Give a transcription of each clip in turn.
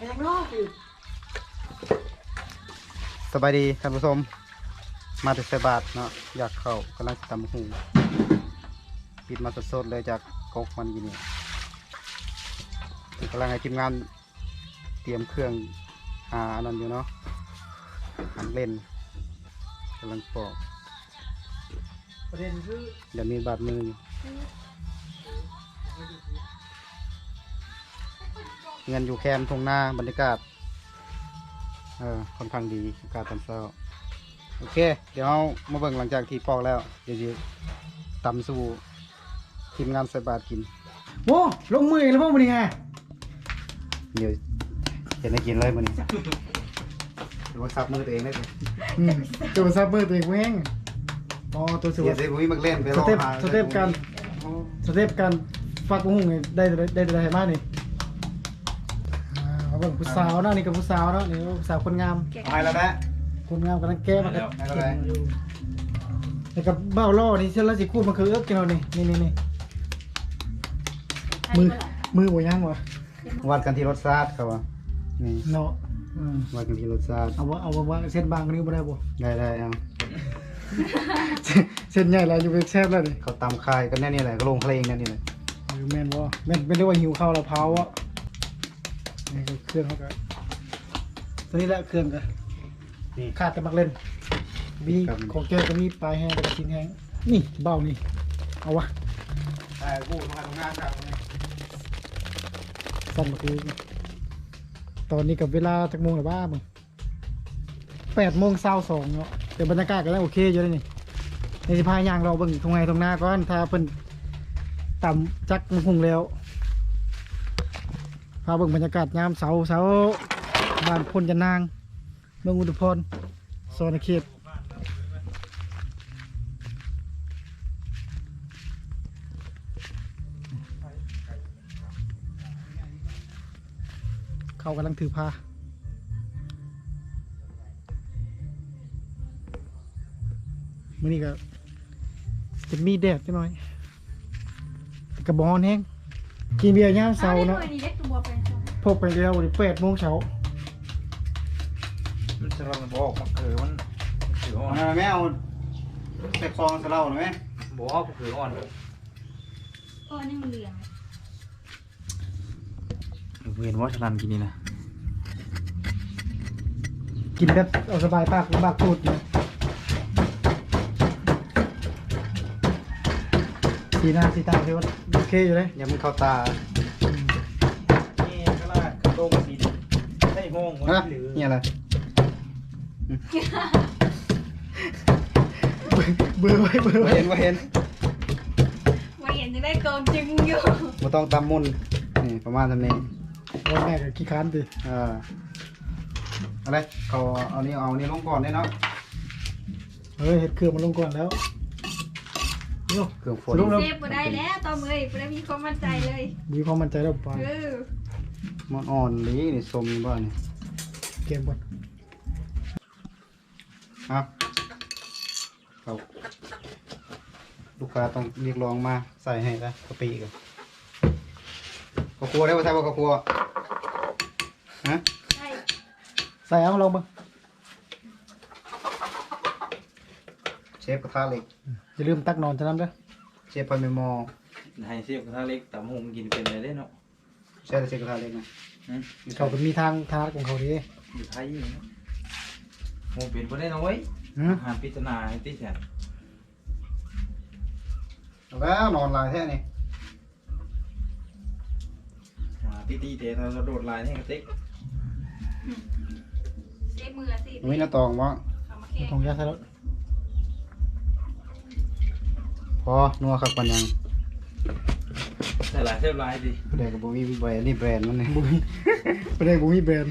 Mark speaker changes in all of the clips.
Speaker 1: ยังนอกอยู่
Speaker 2: สบายดีท่านผู้ชมมาถึงใส่บาทเนาะอยากเข้ากำลังจะตำหูปิดมาสดๆเลยจากกกมันอยู่นี่กำลังให้ทีมงานเตรียมเครื่องอันนั้นอยู่เนาะหันเล่นกำลังปอก
Speaker 1: ประเด็นคือ
Speaker 2: เดี๋ยวมีบาดมืออยู่เงินอยู่แคมป์ทุ่งนาบรรยากาศค่อนข้างดีอากาศตอนเช้าโอเคเดี๋ยวเรามาเบิ่งหลังจากที่ปอกแล้วเดี๋ยวจะตำสู่ทีมงานใส่บาตรกิน
Speaker 1: โว้ลงมือแล้วพวกมันยังไง
Speaker 2: เดี๋ยวเห็นได้กินเลยมันนี่ดูว่าซับมือตัวเองได้เลย
Speaker 1: ตัวซับเบอร์ตัวเองแม่งอ๋อตัวสว
Speaker 2: เดี๋ย
Speaker 1: ยว
Speaker 2: สิผมมีมักเล่นไป
Speaker 1: ส
Speaker 2: รอ
Speaker 1: เต็ป
Speaker 2: หา
Speaker 1: สเต็ปกันสเต็ปกันฟักบุ้งได้ได้มากนี่เขาเป็นผู้สาวเนาะนี่กับผู้สาวเนาะนี่ผู้สาวคนงาม
Speaker 2: เอาให้แล้วนะ
Speaker 1: คนงามกำลังแก้มา
Speaker 2: แล้วให้แล้วนะ
Speaker 1: นี่กับเบ้าล่อนี่เชื่อแล้วสิคู่มันคือเอิ๊กกินเรานี่มือบ่ยังวะ
Speaker 2: วัดกันที่รสชาติครับว่านี่
Speaker 1: เนาะ
Speaker 2: วัดกันที่รสชาติ
Speaker 1: เอาว่าเส้นบางคนนี้บ่ได้บ่
Speaker 2: ได้เอา
Speaker 1: เส้นใหญ่แล้วอยู่เป็นแซ่บแล้วนี่
Speaker 2: เขาตำคายกันแน่นี่แหละก็ลงเพลงแน่นี่แหละ
Speaker 1: แม่นบ่แม่นเป็นเรียกว่าหิวข้าวแล้วเผาอ่ะนี่คือเครื่องเขาก็ตัวนี้แหละเครื่องก็
Speaker 2: นี่
Speaker 1: ขาดแต่มักเล่นมีของแก้วก็มีปลายแห้งกับชิ้นแห้งนี่เบ้านี่เอาวะ
Speaker 2: แต่กูทำงานครับ
Speaker 1: สั่นมาคือตอนนี้กับเวลาจักโมงหรือว่ามึง8:22เนาะแต่บรรยากาศก็ยังโอเคอยู่เลยนี่ในสิพาย่างเราเบิ่งตรงไหนตรงหน้าก่อนถ้าเพิ่นต่ำจักมันคงแล้วพาเบิ่งบรรยากาศยามเสาบ้านพลจันนางเมืองอุทุมพรโซนเขตเขากำลังถือพามื่อนี้ก็จะมีแดดจังหน่อยแต่กระบอกแห้งกินเบียร์ย่ามเสาเนาะพกไปแล้ววัน8:00 เช้า
Speaker 3: มันจะเราบอกมันคือมันถืออ่อน
Speaker 2: เอาแม่เอาใส่คลองใส่เหล้าหน่อยไหม
Speaker 3: บอกมันคืออ่อน
Speaker 4: นี่มันเหลือง
Speaker 3: เห็นว่าฉลันกินนี่นะ
Speaker 1: กินแบบเอาสบายปากบากพูดนะสีหน้าสีตาที่ว่าโอเคอยู่เลย
Speaker 2: อย่ามันเข้าตา
Speaker 3: นี่ก็ล่ะโต้งสีได้ห้อง
Speaker 2: ฮะนี่อะไร
Speaker 1: เบื่อไว้
Speaker 2: ว่าเห็น
Speaker 4: ว่าเห็นจะได้โกนจริงอยู่
Speaker 2: มาต้องตำมุนนี่ประมาณนี้
Speaker 1: วันแม่ก็ขี้ค้านดิ
Speaker 2: อะไรเขาเอานี่ลงก่อนได้เนาะ
Speaker 1: เฮ้ยเห็ดเครื่องมันลงก่อนแล้วโย่
Speaker 2: เครื่องฝน
Speaker 1: ลงแล้ว
Speaker 4: เซฟบ่ได้แล้วต่อมือบ่ได้มีความมั่นใจเลย
Speaker 1: มีความมั่นใจแล้วไป
Speaker 2: มันอ่อนลีนี่สมบ้านนี่
Speaker 1: เกมบอล
Speaker 2: ครับเขาลูกค้าต้องเรียกร้องมาใส่ให้ละกะปิกันข้าวคั่วได้ป่ะใช่ป่ะข้าวคั่วฮะ
Speaker 4: ใช่
Speaker 1: ใส่เอาลงบ้าง
Speaker 2: เชฟกระทะเหล็ก
Speaker 1: อย่าลืมตักนอนจะน้ำด้วย
Speaker 2: เชฟพันเมมอ
Speaker 3: ให้เสียบกระทะเล็กตำหงกินเป็นอะไรได้เนาะ
Speaker 2: ใช่เชฟกระทะเหล็กนะ
Speaker 1: เขาเป็นมีทางของเขาดี
Speaker 3: อยู่ไทยอยู่เนาะโมเป็นบ่ได้น้อยหาพิจารณาให้ติแสน
Speaker 2: แล้วนอนลายแท้นี่
Speaker 3: ตีเตะเราโดดลายให้กระติก
Speaker 4: เซฟมือสิ
Speaker 2: มีหน้าตองวะ
Speaker 4: เอามาแค่
Speaker 1: ของยาใส่แล้ว
Speaker 2: พอนัวครับปันยัง
Speaker 3: แต่ลายเสียบลายดิ
Speaker 2: ผู้ใดกับบุมีแบรนด์นี่แบรนด์มันนี่
Speaker 1: บุ้ยประเด็นบุ้ยแบรนด์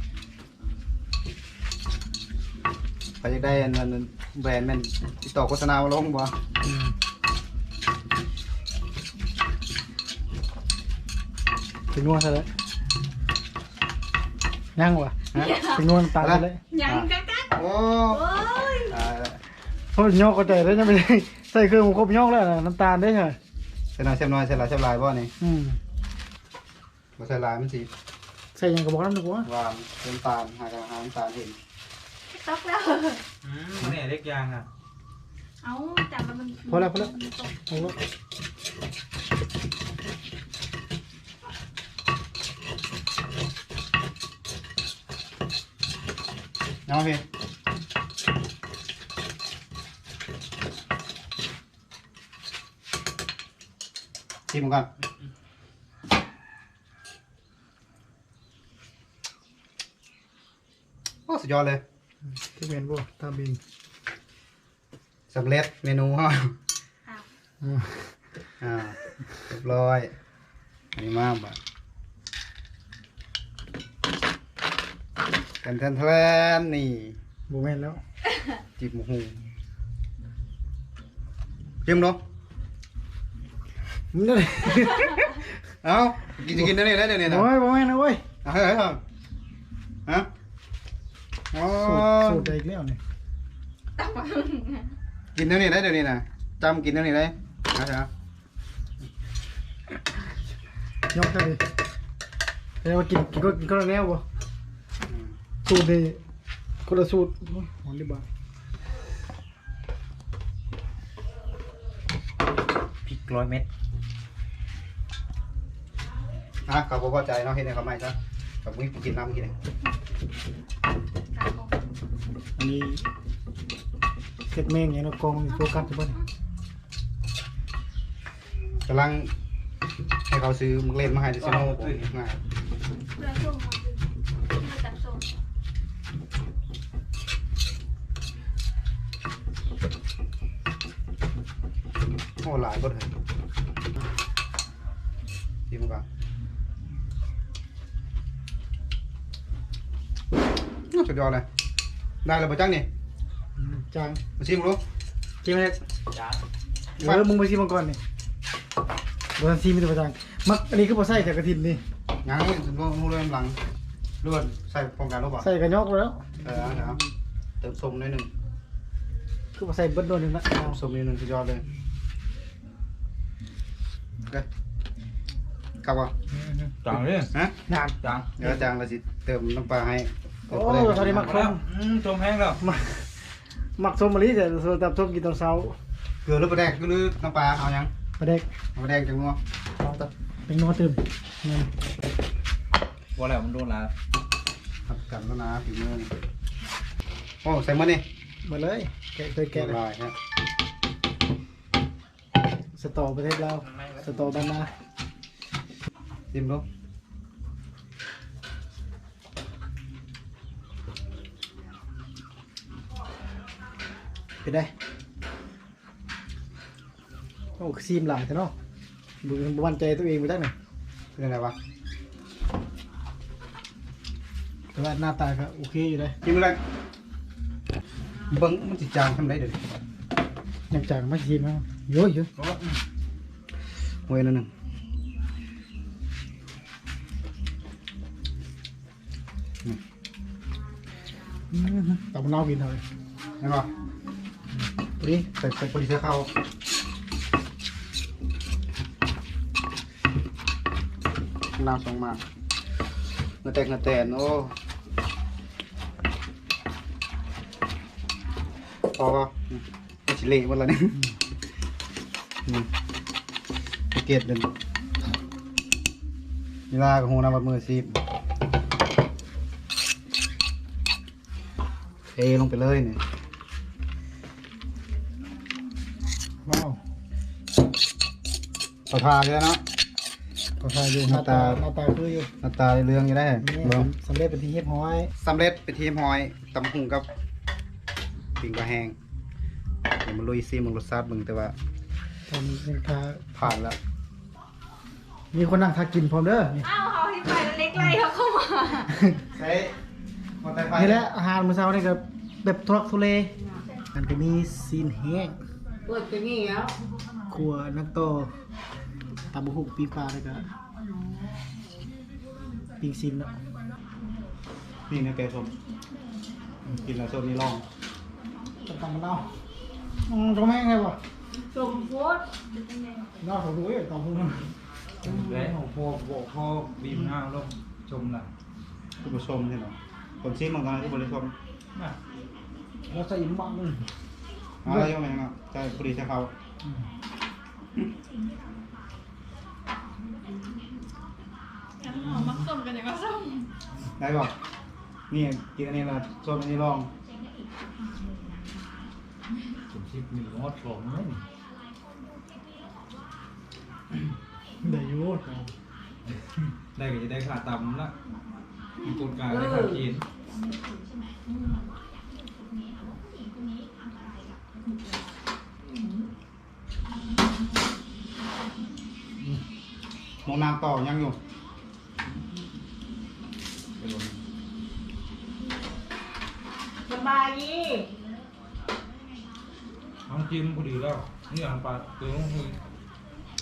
Speaker 2: ใครจะได้อันนั้นแบรนด์แม่นติดต่อโฆษณามาลงบ่
Speaker 1: ถึงนวดใส่แล้วย่างวะถึงนวดตาใส่แล้ว
Speaker 4: ยังกัก
Speaker 2: โอ้
Speaker 4: โอ้ย
Speaker 2: ตายแล้ว
Speaker 1: เพราะย่อก็ใจแล้วยังไม่ได้ใส่เครื่องครบย่อแล้วน้ำตาลได้ใช่
Speaker 2: เส้นน้อยเส้นลายบ่นี่
Speaker 1: อืม
Speaker 2: บ่ใส่ลายมันสิ
Speaker 1: ใส่หยังก็บอกนำดีกว่า
Speaker 2: หวานน้ำตาลหากอาหารน้ำตาลเห็น
Speaker 4: ตกแล้ว
Speaker 3: มันเนี่ยเล็กยางอ่ะ
Speaker 4: เอาจับมัน
Speaker 1: พอแล้ว
Speaker 4: ตก
Speaker 1: เอาละ
Speaker 2: เอาพี่ชิมกันโอ้สุดยอดเลย
Speaker 1: ที่แม่นบ่ตามเอง
Speaker 2: สำเร็จเมนูฮะ
Speaker 4: อ้าว
Speaker 2: เรียบร้อยอันนี้มากบ่ะแทนนี่
Speaker 1: บ่แม่นแล้ว
Speaker 2: จีบหมูหูชิมเนาะ
Speaker 1: มันได้
Speaker 2: เอ้ากินได้เนี่ยได้เนี่ยนะ
Speaker 1: โอ้ยบ่แม่นนะเว้ย
Speaker 2: เอาเฮ้ยฮะอ๋อ
Speaker 1: สูตรได้อีกแล้วนี่
Speaker 4: ตกมา
Speaker 2: กินเดี๋ยวนี้ได้เดี๋ยวนี้นะจำกินเดี๋ยวนี้ได้นะ
Speaker 1: ยกได้ดิแต่ว่ากินก็แล้วบ่สูตรนี่คนละสูตรโอ้ยหอนดิบ่า
Speaker 3: พริก100 เม็ด
Speaker 2: เขาพอใจเนาะเห็นในเขาไม่จ้ะกับมึงกินน้ำกินเลย
Speaker 1: อันนี้เก็ดแมงอย่างเนาะกองโฟกัสอยู่บ่นี่
Speaker 2: กำลังให้เขาซื้อมึงเล่นมาให้ดิซิโน่ผมง่าย
Speaker 4: เรือส้มมาจับส้ม
Speaker 2: โอ้หลายคนเลยชิมก่อนสุดยอดเลยได้แล้วป่ะจังนี่
Speaker 1: จาง
Speaker 2: มาชิมรู้
Speaker 1: ชิมเลย
Speaker 3: จ้า
Speaker 1: มึงไปชิมมันก่อนนี่บ่ทันชิมมีแต่บ่จางมักอันนี้คือบ่ใส่แต่กระถิ่นนี่
Speaker 2: งั้นรู้เรื่องหลังรู้ว่าใส่โครงการรู้ป่ะ
Speaker 1: ใส่กระยอกแล้ว
Speaker 2: นะครับเติมส้มนิดหนึ่ง
Speaker 1: คือบ่ใส่เบิดโดนนึงละเอา
Speaker 2: ส้มนิดหนึ่งสุดยอดเลยโอเคกลับก่อน
Speaker 3: จังเลย
Speaker 2: ฮะ
Speaker 1: นาน
Speaker 3: จัง
Speaker 2: เดี๋ยวอาจารย์เราสิเติมน้ำปลาให้
Speaker 1: โอ้ตอนนี้มักส้ม
Speaker 3: จมแห้งแล้ว
Speaker 1: มักส้มมะลิแต่ส่วนตับส้มกินตอนเช้า
Speaker 2: เกลือหรือปลาแดกหรือน้ำปลาเอายัง
Speaker 1: ปลาแดก
Speaker 2: เอาปลาแดกจังงัว
Speaker 1: เอาตับเป็นนัวตื่มเงิน
Speaker 3: ว่าแล้วมันโดนแล้ว
Speaker 2: ผัดกันแล้วนะฝีมือนี่โอ้ใส่มานี่
Speaker 1: มาเลยแกะเคยแกะเลย
Speaker 2: ลายฮะ
Speaker 1: สตอประเทศลาวสตอบ้านนา
Speaker 2: ชิมดู
Speaker 1: เป็นได้โอ้ซีมหลายแต่เนาะดูมั่นใจตัวเองไปได้หน่อย
Speaker 2: เป็นยังไงวะ
Speaker 1: แต่ว่าหน้าตาก็โอเคอยู่เลย
Speaker 2: ชิมอะไรเบิ้งมันจิจางทำได้เดี๋ยวนี้
Speaker 1: ยังจางไม่ซีมนะเยอะเยอะ
Speaker 2: เว้ยนั่นหนึ่งอืม
Speaker 1: ตับมะนาวกินเลย
Speaker 2: เห็นป่ะ
Speaker 1: นี่
Speaker 2: ใส่พอดีเสื้อเข้าน้ำสองมากเนื้อแตกเนื้อแตนโอ้พอก็ชิเละหมดแล้วเนี่ยเกตเดินเวลากับหูน้ำบัดมือซีบเทลงไปเลยเนี่ย
Speaker 1: ว้าว
Speaker 2: ต่อทาเลยเนาะ
Speaker 1: ก็ใส่อยู่หน้าตาคืออยู่
Speaker 2: หน้าตาเรื่องอยู่ได้
Speaker 1: นี่
Speaker 2: เบิ่ง
Speaker 1: สำเร็จเป็นที่เฮ็ดห้อย
Speaker 2: สำเร็จไปทีมหอยตำหุงกับปิ่งปลาแห้งเดี๋ยวมาลุยซีมึงรสชาติมึงแต่ว่า
Speaker 1: ทำเป็นคา
Speaker 2: ผ่านแล้ว
Speaker 1: มีคนนั่งทากินพร้อมเด้อนี่
Speaker 4: อ้าวเขาที่ไปแล้วเล็กไล่เขาเข้ามา
Speaker 2: ใช้มอเตอร์ไซค์
Speaker 1: นี่แหละอาหารมื้อเช้านี่ก็แบบทุรักทุเลมันก็มีซีนแห้ง
Speaker 5: เปิดเป็นงี้แล้ว
Speaker 1: ครัวนักโตตำบักหุ่งปีปลาแล้วก็ปิ้งซีนเนาะ
Speaker 2: ปิ่งในแกงส้มกินแล้วส้มนี่ลอง
Speaker 1: ตำมะนาวตรงแม่งไงวะ
Speaker 5: สมโพธ
Speaker 1: นาวของหนูตำหุ่ง
Speaker 3: แล้วพ่อบีบหน้าลงชมน่ะ
Speaker 2: ผู้ผู้ชมใช่ไหมคนซีมันก็ให้ผู้บริชม
Speaker 3: น่ะเราใส่หมักนึง
Speaker 2: อะไรยังไงนะใช่ผู้ดีใช่เขา
Speaker 4: น้ำหอมมักส้มกันอย่างก็ส้ม
Speaker 2: ได้ป่ะนี่กินอันนี้ละชมอันนี้ลอง
Speaker 3: ผมชิปมีงอดผมไหม
Speaker 1: ได้อยู่
Speaker 3: ได้ก็จะได้ขาตำละมีคนกลางได้ขากิน
Speaker 2: มองน้ำต่อยังอยู่
Speaker 5: สบายดี
Speaker 3: น้องจิ้มพอดีแล้วนี่อาหารปลาตัวน้องคือ